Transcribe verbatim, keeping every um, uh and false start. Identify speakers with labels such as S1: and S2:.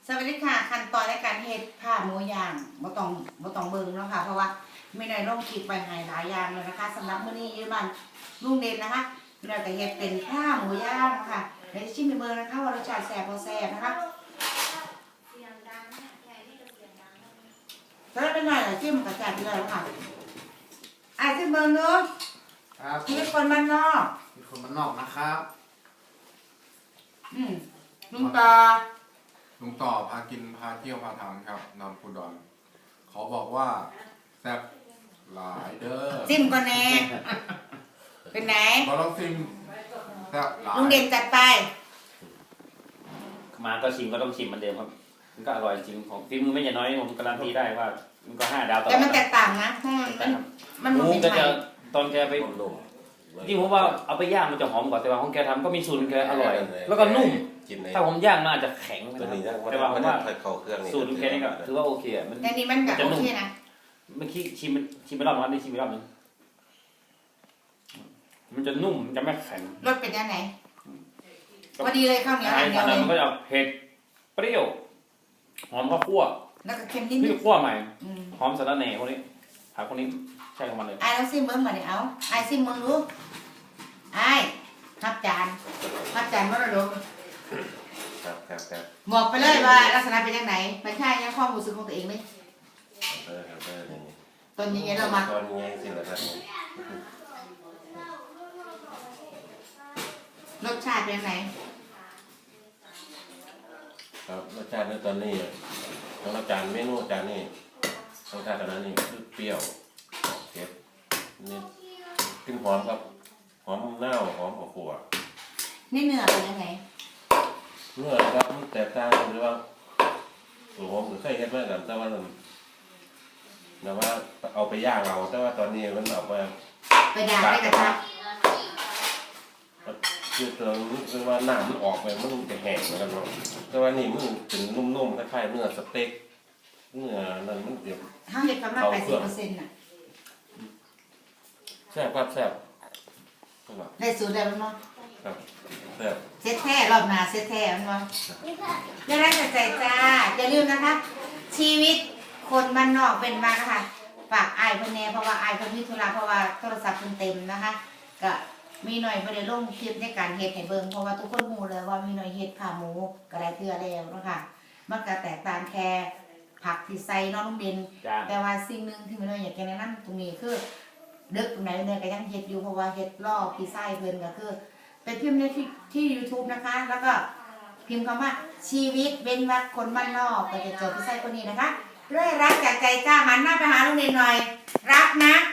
S1: สวัสดีค่ะขั้นตอนในการเฮ็ดผ้าหมูย่างบ่ต้องบ่ต้องเบิ่งแล้วค่ะเพราะว่าไม่ได้ลงคลิปไปให้หลายอย่างเลยนะคะสำหรับมื้อนี้ยืมบ้านลุงเด่นนะคะเราจะเฮ็ดเป็นผ้าหมูย่างค่ะเดี๋ยวชิมให้เบิ่งนะคะว่ารสชาติแซ่บบ่แซ่บนะคะแล้วเป็นหน่อยจิ้มกับแซ่บเลยค่ะอ่ะชิมเบิ่งดู
S2: ครับ
S1: มีคนบ้านนอก
S2: มีคนบ้านนอกนะครับ
S1: อืมลุงตา
S3: ลุงต่อพากินพาเที่ยวพาทำครับนำปูดอนเขาบอกว่าแซ่บหลายเด้อ
S1: จิ้มก่อนแน่เป็นไหน
S3: เราลองซิมแซ่บหลาย
S1: ลุงเด่นจัดไป
S4: มาก็ชิมก็ต้องชิมเหมือนเดิมครับมันก็อร่อยจริงของฟิล์มไม่ใช่น้อยผมการันตีได้ว่ามันก็ห้าดาวต่อ
S1: แต่มันแตกต่างนะมันมันมันเป็นไง
S4: ตอนแกไปที่ผมว่าเอาไปย่างมันจะหอมกว่าแต่ว่าของแกทำก็มีสูตรแกอร่อยแล้วก็นุ่มถ้าผมย่างมันอาจจะแข็งแต่ว่าผมว่าสูตรแกนี่ก็ถือว่าโอเคอ่ะมัน
S1: แต่นี่มันแบบโอเคนะ
S4: เมื่อกี้ชิมชิมไปรอบนึงนี่ชิมไปรอบนึงมันจะนุ่มมันจะไม่แข็ง
S1: รสเป็นยังไงพอดีเลยข้าวเหนียวอันเดียวเลย
S4: มันก็จะเผ็ดเปรี้ยวหอมข้าวคั่ว
S1: แล้วก็เค็มนิด
S4: นึงคั่วใหม่
S1: อืม
S4: หอมสะระแหน่พวกนี้ผักพวกนี้ใช่ของมันเลย
S1: ไอ้เราซิมเบิ้งมาเดี๋ยวเอาไอ้ซิมเบิ้งรู้ไอ้ทับจานทับจานมรดก
S2: ครับครับครับ
S1: บอกไปเลยว่าลักษณะเป็นยังไงไม่ใช่ยังความรู้สึกของตัวเองเลย
S2: เออครับเออนี่
S1: ตอนนี้ไงเรามา
S2: ตอนนี้สิเหรอครับ
S1: รสชาติเป็นยังไง
S2: ครับรสชาติในตอนนี้ของอาจารย์เมนูอาจารย์นี่รสชาติตอนนั้นนี่คือเปรี้ยวเผ็ดนี่กลิ่นหอมครับหอมเน่าหอมขั่ว
S1: นี่เนื้อเป็นยังไง
S2: เนื้อครับมันแตกต่างกันหรือว่าตัวผมเคยเห็นมากันแต่ว่าแต่ว่าเอาไปย่างเราแต่ว่าตอนนี้มันออกมา
S1: ไปย่างได้กระทะ
S2: คือตัวนี้คือว่าหน้ามันออกไปมันจะแห้งนะครับเนาะแต่ว่านี่มันเป็นนุ่มๆคล้ายๆเนื้อสเต็กเนื้อนั่นมันเดี๋ยว
S1: ห้าเด็ดประมาณแปดสิบเปอร์เซ็นต์น่ะ
S2: แซ่บครับแซ่บ
S1: ได้สูตรได้แล้วเนาะ
S2: ครับแซ่บ
S1: เซ็ตแท้รอบหน้าเซ็ตแท้มันวะอย่าได้ใจใจจ้าอย่าลืมนะคะชีวิตคนบ้านนอกเป็นมานะคะฝากไอ้เพิ่นแน่เพราะว่าไอ้เพิ่นมีธุระเพราะว่าโทรศัพท์เพิ่นเต็มนะคะก็มีหน่อยบ่ได้ลงคลิปในการเฮ็ดให้เบิ่งเพราะว่าทุกคนรู้เลยว่ามีหน่อยเฮ็ดผ้าหมูก็ได้เทื่อแล้วเนาะค่ะมันก็แตกต่างแค่ผักที่ใส่น้องลุงเด่นแต่ว่าสิ่งนึงที่มีหน่อยอยากจะแนะนำตรงนี้คือดึกตรงไหนเนี่ยก็ยังเฮ็ดอยู่เพราะว่าเฮ็ดล่อพี่ไส้เพิ่นก็คือเป็นพิมพ์ในที่ที่ YouTube นะคะแล้วก็พิมพ์คำว่าชีวิตเว้นวรรคคนบ้านนอกก็จะเจอพี่ไส้คนนี้นะคะด้วยรักจากใจจ้าหันหน้าไปหาลุงเด่นหน่อยรักนะ